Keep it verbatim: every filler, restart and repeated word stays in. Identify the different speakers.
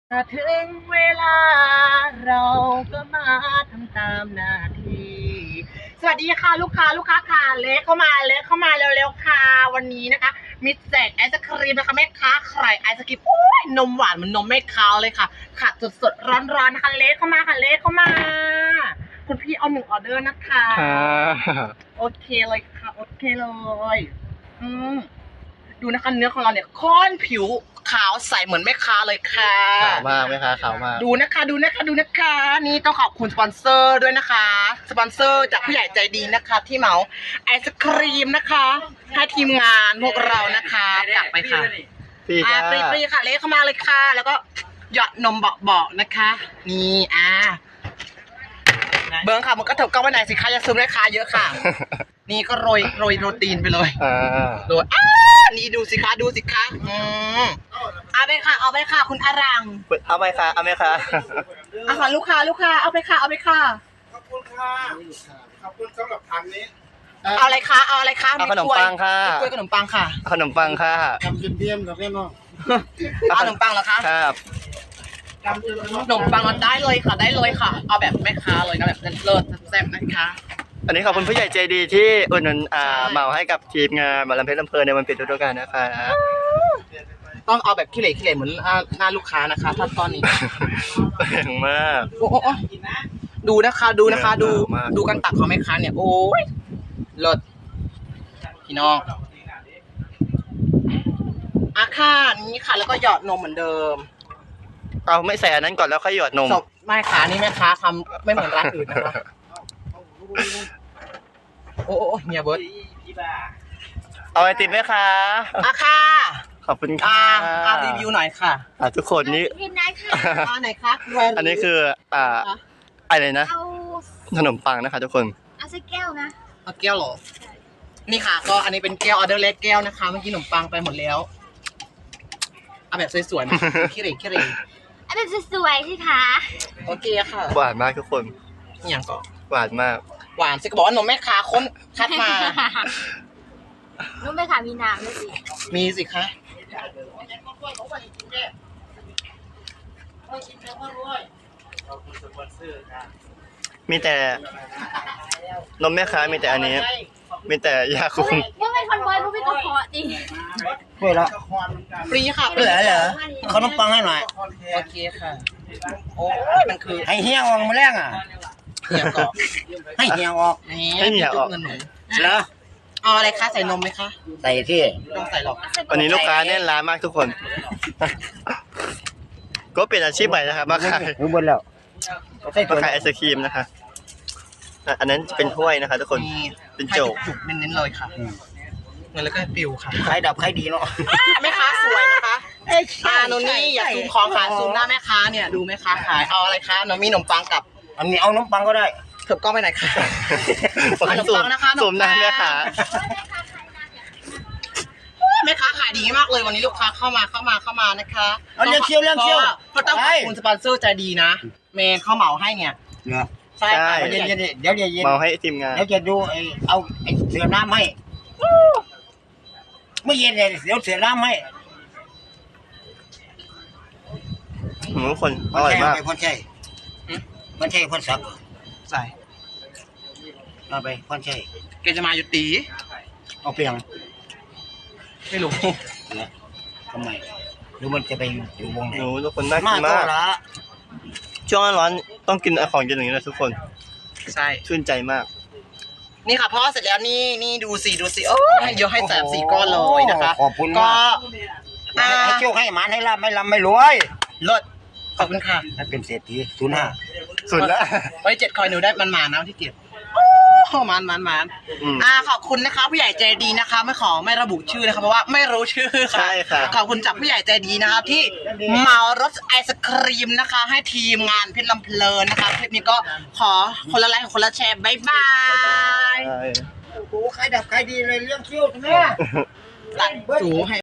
Speaker 1: ถ้าถึงเวลาเราก็มาทำตามหน้าที่สวัสดีค่ะลูกค้าลูกค้าค่ะเล็กเข้ามาเล็กเข้ามาเร็วๆค่ะวันนี้นะคะมีแจกไอศครีมนะคะแม่ค้าใครไอศครีมโอ้ยนมหวานเหมือนนมแม่ค้าเลยค่ะขัดสดๆร้อนๆนะคะเล็กเข้ามาค่ะเล็กเข้ามาคุณพี่เอาหนึ่งออเดอร์นะคะโอเคเลยค่ะโอเคเลยอืมดูนะคะเนื้อของเราเนี่ยค่อนผิวขาวใสเหมือนแม่ค้าเลยค่ะ
Speaker 2: ขาวมากไหมคะขาวมาก
Speaker 1: ดูนะคะดูนะคะดูนะคะนี่ต้องขอบคุณสปอนเซอร์ด้วยนะคะสปอนเซอร์จากผู้ใหญ่ใจดีนะคะ ที่เหมาไอศครีมนะคะให้ทีมงานพวกเรานะคะกลับไปค่ะ
Speaker 2: ฟรี
Speaker 1: อ่า
Speaker 2: ค่ะ
Speaker 1: ฟรีฟรีค่ะเล็กเข้ามาเลยค่ะแล้วก็หยอดนมเบาๆนะคะนี่อ่าเบิ้งค่ะมันก็เถิบก้าวไปไหนสิคะจะซูมได้ค่ะเยอะค่ะนี่ก็โรยโรยโรตีนไปเลย
Speaker 2: อ่า
Speaker 1: โรยอ่านี่ดูสิคะดูสิคะอืมเอาไปค่ะเอาไปค่ะคุณอารัง
Speaker 2: เอาไหมคะเอาไหมคะ
Speaker 1: อาหารลูกค้าลูกค้าเอาไปค่ะเอาไปค่ะ
Speaker 3: ขอบคุณค่ะขอบคุณสำหรับพันนี้
Speaker 1: เอาอะไรคะเอาอะไรคะ
Speaker 2: เอาขนมปังค่ะ
Speaker 1: กล้วยขนมปังค่ะ
Speaker 2: ขนมปังค่ะ
Speaker 3: ทำเทียมๆกับแม่น้อง
Speaker 1: เอาขนมปังเหรอคะ
Speaker 2: ครับ
Speaker 1: ขนมปังเราได้เลยค่ะได้เลยค่ะเอาแบบแม่ค้าเลยนะแบบเลิศแซ่บนะคะ
Speaker 2: อันนี้ขอบคุณผู้ใหญ่ใจดีที่อุดหนุนอ่าเหมาให้กับทีมงานหมอลำเพชรลำเพลินในวันปิดฤดูกาลนะคะ
Speaker 1: ต้องเอาแบบขี้เหร่ขี้เหร่เหมือนหน้าลูกค้านะคะถ้าตอนนี้
Speaker 2: แรงมาก
Speaker 1: โอ้โหดูนะคะดูนะคะดูดูการตักของแม่ค้าเนี่ยโอ้ยเลิศพี่น้องอ่ะค่ะนี่ค่ะแล้วก็หยอดนมเหมือนเดิม
Speaker 2: เอาไม่ใส่อันนั้นก่อนแล้วค่อยหยอดนม
Speaker 1: ไม่ค่ะนี่แม่ค้าทำไม่เหมือนร้านอื่นนะคะโอ้โหเมียเบิร์ด
Speaker 2: เอาไอติมไหมคะ
Speaker 1: อ่ะค่ะ
Speaker 2: ขอบคุณค่ะ
Speaker 1: อ่ารีวิวหน่อยค่ะ
Speaker 2: อ่าทุกคนนี่
Speaker 4: ทีมไหนค่ะ
Speaker 1: อ่าไหนคะ
Speaker 2: อันนี้คืออ่าอะไรนะ
Speaker 4: เอา
Speaker 2: ขนมปังนะคะทุกคน
Speaker 4: เอาสักแก้วนะ
Speaker 1: เอาแก้วหรอนี่ค่ะก็อันนี้เป็นแก้วออเดอร์เล็กแก้วนะคะเมื่อกี้ขนมปังไปหมดแล้วเอาแบบสวยๆนะขี้เหร่ขี้เหร่
Speaker 4: เอาแบบสวยๆสิคะ
Speaker 1: โอเคค่ะ
Speaker 2: หวานมากทุกคน
Speaker 1: อย่างก่อน
Speaker 2: หวานมาก
Speaker 1: หวานสิก็บอกว่านมแม่ค้าค้นคัดมา
Speaker 4: นุ่มไหมคะมีน้ำด้วยสิ
Speaker 1: มีสิคะ
Speaker 2: มีแต่นมแม่ค้ามีแต่อันนี้มีแต่ยาคุม
Speaker 4: ยังเป็นคนบอยผู้เป็นกระเพาะดิ
Speaker 3: เฮ้ยละ
Speaker 1: ฟรีค่ะ
Speaker 3: เหลือเหรอขนมปังให้หน่อย
Speaker 1: โอเคค่ะโอ้ยมันคือ
Speaker 3: ให้เฮียออกมาแรงอ่ะ
Speaker 1: เหี่ยวก่อน
Speaker 3: ให้เฮียออก
Speaker 2: ให้เหี่ยวออก
Speaker 3: เหรอ
Speaker 1: เอาอะไรคะใส่นมไหมคะ
Speaker 3: ใส่ที่
Speaker 1: ต้องใส่หรอก
Speaker 2: วันนี้ลูกค้าแน่นร้านมากทุกคนก็เป็นอาชีพใหม่นะครับมาขาย
Speaker 3: รู้หมดแล้ว
Speaker 2: มาขายไอศครีมนะคะอันนั้นเป็นถ้วยนะคะทุกคนเป็นโจก
Speaker 1: จุกเน้นๆเลยค่ะเงินแล้วก็ปิวค่ะ
Speaker 3: ขายดับขายดีเนาะ
Speaker 1: แม่ค้าสวยนะคะอ่าโนนี่อย่าซูมของขายซูมหน้าแม่ค้าเนี่ยดูแม่ค้าขายเอาอะไรคะน้องมีขนมปังกับ
Speaker 3: อันนี้เอาขนมปังก็ได้
Speaker 1: เถิบกล้องไปไหนคะขนมปังนะคะ
Speaker 2: ซูมหน้าแม่ค้า
Speaker 1: แม่ค้าขายดีมากเลยวันนี้ลูกค้าเข้ามาเข้ามาเข้ามานะคะ
Speaker 3: เอาเลี้ยงเชี่ยวเลี้ยงเชี่ยว
Speaker 1: เพราะต้องขอบคุณสปอนเซอร์ใจดีนะเมย์เข้าเหมาให้เนี่ย
Speaker 2: ใช่
Speaker 3: เดี๋ยวเดี๋ยวเดี๋ยวเดี๋ยว
Speaker 2: เมาให้ทีมงาน
Speaker 3: เดี๋ยวจะดูไอเอาไอเสือน้ำให้เมื่อเย็นเนี่ยเดี๋ยวเสือน้ำให้
Speaker 2: ทุกคนอร่อยมาก
Speaker 3: พ่นใช่พ่นใช่พ่นสับ
Speaker 1: ใส่
Speaker 3: เอาไปพ่นใช่
Speaker 1: แกจะมาอยู่ตี
Speaker 3: เอาเปลียง
Speaker 1: ไม่รู้
Speaker 3: ทำไมหรือมันจะไปอยู่วงไหน
Speaker 2: หนูทุกคนน่ากินมากช่วงร้อนต้องกินของเย็นอย่างนี้นะทุกคน
Speaker 1: ใช่
Speaker 2: ชื่นใจมาก
Speaker 1: นี่ค่ะพ่อเสร็จแล้วนี่นี่ดูสิดูสิโอ้ยเยอะให้แสบสี่ก้อนเลยนะคะ
Speaker 3: ขอบคุณก็ให้โชคให้หมานให้ร่ำไม่ร่ำไม่รวย
Speaker 1: เลิศขอบคุณค่ะ
Speaker 3: ให้เป็นเศรษฐีศูนย์ห้า
Speaker 2: สุดแล้ว
Speaker 1: ไว้เจ็ดคอยหนูได้มันมานะที่เก็บโอ้มันมันมันอ่าขอบคุณนะคะผู้ใหญ่ใจดีนะคะไม่ขอไม่ระบุชื่อนะคะเพราะว่าไม่รู้ชื่อค่ะ
Speaker 2: ใช่ค่ะ
Speaker 1: ขอบคุณจากผู้ใหญ่ใจดีนะครับที่เหมารถไอศครีมนะคะให้ทีมงานเพชรลำเพลินนะคะคลิปนี้ก็ขอคนละไลค์คนละแชร์บ๊ายบาย
Speaker 3: โอ้โหใครดับใครดีเลยเรื่องคิ้วแม่
Speaker 1: ตัดสูให้